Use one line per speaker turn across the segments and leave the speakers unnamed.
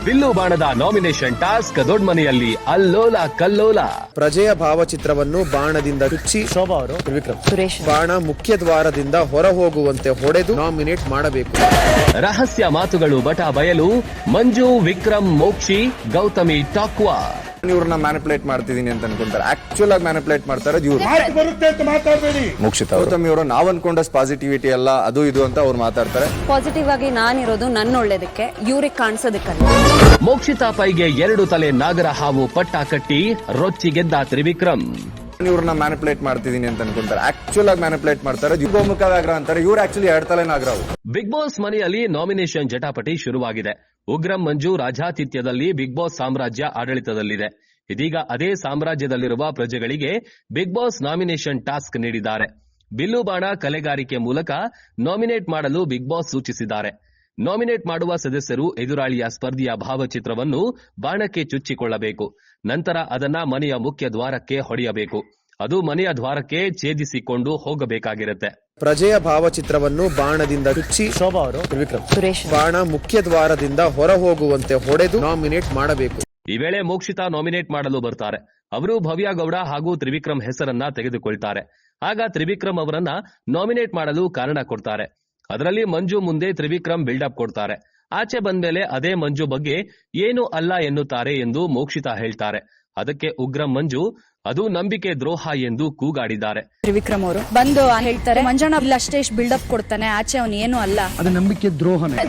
Bill ಬಾಣದ nomination task ದೊಡ್ಡಮನೆಯಲ್ಲಿ ಅಲ್ಲೋಲ ಕಲ್ಲೋಲ.
ಪ್ರಜೆಯ ಭಾವಚಿತ್ರವನ್ನು ಬಾಣದಿಂದ ಚುಚ್ಚಿ ಶೋಭಾ ಅವರು ತ್ರಿವಿಕ್ರಮ್
ಸುರೇಶ್
ಬಾಣ ಮುಖ್ಯ ದ್ವಾರದಿಂದ ಹೊರ ಹೋಗುವಂತೆ ಹೊಡೆದು ನಾಮಿನೇಟ್ ಮಾಡಬೇಕು.
ರಹಸ್ಯ ಮಾತುಗಳು ಬಟ ಬಯಲು. ಮಂಜು, ವಿಕ್ರಮ್, ಮೋಕ್ಷಿ, ಗೌತಮಿ ಟಾಕ್ವಾ.
ಇವ್ರನ್ನ ಮ್ಯಾನಿಪುಲೇಟ್ ಮಾಡ್ತಿದೀನಿ ಅಂತ ಅನ್ಕೊಂತಾರೆ. ಆಕ್ಚುಲ್ ಆಗಿ ಮ್ಯಾನಿಪುಲೇಟ್ ಮಾಡ್ತಾರೆ ಇವ್ರು. ಮೋಕ್ಷಿತ ಗೌತಮಿ ಅವರು ನಾವ್ ಅನ್ಕೊಂಡಷ್ಟು ಪಾಸಿಟಿವಿಟಿ ಅಲ್ಲ, ಅದು ಇದು ಅಂತ ಅವ್ರು ಮಾತಾಡ್ತಾರೆ.
ಪಾಸಿಟಿವ್ ಆಗಿ ನಾನಿರೋದು ನನ್ನ ಒಳ್ಳೇದಕ್ಕೆ, ಇವ್ರಿಗೆ ಕಾಣಿಸೋದಕ್ಕಲ್ಲ.
ಮೋಕ್ಷಿತಾ ಪೈಗೆ 2 ತಲೆ ನಾಗರ ಹಾವು ಪಟ್ಟ ಕಟ್ಟಿ ರೊಚ್ಚಿ ಗೆದ್ದ ತ್ರಿವಿಕ್ರಮ್.
ಇವ್ರನ್ನ ಮ್ಯಾನಿಪುಲೇಟ್ ಮಾಡ್ತಿದೀನಿ ಅಂತ ಅನ್ಕೊಂತಾರೆ. ಆಕ್ಚುಲ್ ಆಗಿ ಮ್ಯಾನಿಪುಲೇಟ್ ಮಾಡ್ತಾರೆ. ಗೋಮುಖ ವ್ಯಾಘ್ರ ಅಂತಾರೆ, ಇವ್ರು ಆಕ್ಚುಲಿ 2 ತಲೆ ನಾಗರ.
ಬಿಗ್ ಬಾಸ್ ಮನೆಯಲ್ಲಿ ನಾಮಿನೇಷನ್ ಜಟಾಪಟಿ ಶುರುವಾಗಿದೆ. ಉಗ್ರಂ ಮಂಜು ರಾಜಾತಿಥ್ಯದಲ್ಲಿ ಬಿಗ್ ಬಾಸ್ ಸಾಮ್ರಾಜ್ಯ ಆಡಳಿತದಲ್ಲಿದೆ. ಇದೀಗ ಅದೇ ಸಾಮ್ರಾಜ್ಯದಲ್ಲಿರುವ ಪ್ರಜೆಗಳಿಗೆ ಬಿಗ್ ಬಾಸ್ ನಾಮಿನೇಷನ್ ಟಾಸ್ಕ್ ನೀಡಿದ್ದಾರೆ. ಬಿಲ್ಲು ಬಾಣ ಕಲೆಗಾರಿಕೆ ಮೂಲಕ ನಾಮಿನೇಟ್ ಮಾಡಲು ಬಿಗ್ ಬಾಸ್ ಸೂಚಿಸಿದ್ದಾರೆ. ನಾಮಿನೇಟ್ ಮಾಡುವ ಸದಸ್ಯರು ಎದುರಾಳಿಯ ಸ್ಪರ್ಧಿಯ ಭಾವಚಿತ್ರವನ್ನು ಬಾಣಕ್ಕೆ ಚುಚ್ಚಿಕೊಳ್ಳಬೇಕು. ನಂತರ ಅದನ್ನ ಮನೆಯ ಮುಖ್ಯ ದ್ವಾರಕ್ಕೆ ಹೊಡೆಯಬೇಕು. ಅದು ಮನೆಯ ದ್ವಾರಕ್ಕೆ ಛೇದಿಸಿಕೊಂಡು ಹೋಗಬೇಕಾಗಿರುತ್ತೆ.
ಪ್ರಜೆಯ ಭಾವಚಿತ್ರವನ್ನು ಬಾಣದಿಂದ ಚುಚ್ಚಿ ಶೋಭಾ ಅವರು ತ್ರಿವಿಕ್ರಮ್
ಸುರೇಶ್
ಬಾಣ ಮುಖ್ಯ ದ್ವಾರದಿಂದ ಹೊರ ಹೋಗುವಂತೆ ಹೊಡೆದು ನಾಮಿನೇಟ್ ಮಾಡಬೇಕು.
ಈ ವೇಳೆ ಮೋಕ್ಷಿತಾ ನಾಮಿನೇಟ್ ಮಾಡಲು ಬರ್ತಾರೆ. ಅವರು ಭವ್ಯ ಗೌಡ ಹಾಗೂ ತ್ರಿವಿಕ್ರಮ್ ಹೆಸರನ್ನ ತೆಗೆದುಕೊಳ್ತಾರೆ. ಆಗ ತ್ರಿವಿಕ್ರಮ್ ಅವರನ್ನ ನಾಮಿನೇಟ್ ಮಾಡಲು ಕಾರಣ ಕೊಡ್ತಾರೆ. ಅದರಲ್ಲಿ ಮಂಜು ಮುಂದೆ ತ್ರಿವಿಕ್ರಮ್ ಬಿಲ್ಡಪ್ ಕೊಡ್ತಾರೆ. ಆಚೆ ಬಂದ್ಮೇಲೆ ಅದೇ ಮಂಜು ಬಗ್ಗೆ ಏನು ಅಲ್ಲ ಎನ್ನುತ್ತಾರೆ ಎಂದು ಮೋಕ್ಷಿತಾ ಹೇಳ್ತಾರೆ. ಅದಕ್ಕೆ ಉಗ್ರಂ ಮಂಜು ಅದು ನಂಬಿಕೆ ದ್ರೋಹ ಎಂದು ಕೂಗಾಡಿದ್ದಾರೆ.
ತ್ರಿವಿಕ್ರಮ್ ಅವರು ಬಂದು ಹೇಳ್ತಾರೆ, ಮಂಜಣ್ಣ ಇಲ್ಲ ಅಷ್ಟೇ ಬಿಲ್ಡಪ್ ಕೊಡ್ತಾನೆ, ಆಚೆ ಅವನು ಏನು ಅಲ್ಲ,
ಅದು ನಂಬಿಕೆ ದ್ರೋಹನೇ.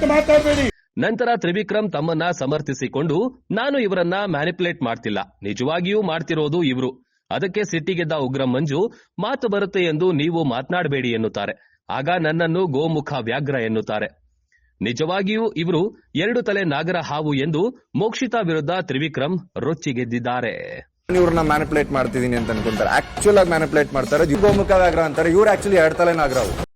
ನಂತರ ತ್ರಿವಿಕ್ರಮ್ ತಮ್ಮನ್ನ ಸಮರ್ಥಿಸಿಕೊಂಡು, ನಾನು ಇವರನ್ನ ಮ್ಯಾನಿಪುಲೇಟ್ ಮಾಡ್ತಿಲ್ಲ, ನಿಜವಾಗಿಯೂ ಮಾಡ್ತಿರೋದು ಇವ್ರು. ಅದಕ್ಕೆ ಸಿಟ್ಟಿಗೆದ್ದ ಉಗ್ರಂ ಮಂಜು ಮಾತು ಬರುತ್ತೆ ಎಂದು ನೀವು ಮಾತನಾಡಬೇಡಿ ಎನ್ನುತ್ತಾರೆ. ಆಗ ನನ್ನನ್ನು ಗೋಮುಖ ವ್ಯಾಘ್ರ ಎನ್ನುತ್ತಾರೆ. ನಿಜವಾಗಿಯೂ ಇವರು 2 ತಲೆ ನಾಗರ ಹಾವು ಎಂದು ಮೋಕ್ಷಿತಾ ವಿರುದ್ಧ ತ್ರಿವಿಕ್ರಮ್ ರೊಚ್ಚಿಗೆದ್ದಿದ್ದಾರೆ.
ಇವ್ರನ್ನ ಮ್ಯಾನಿಪುಲೇಟ್ ಮಾಡ್ತಿದೀನಿ ಅಂತ ಅನ್ಕೊಂತಾರೆ. ಆಕ್ಚುಲ್ ಆಗಿ ಮ್ಯಾನಿಪುಲೇಟ್ ಮಾಡ್ತಾರೆ. ಗೋಮುಖ ವ್ಯಾಘ್ರ ಅಂತಾರೆ, ಇವ್ರು ಆಕ್ಚುಲಿ 2 ತಲೆ ನಾಗರ.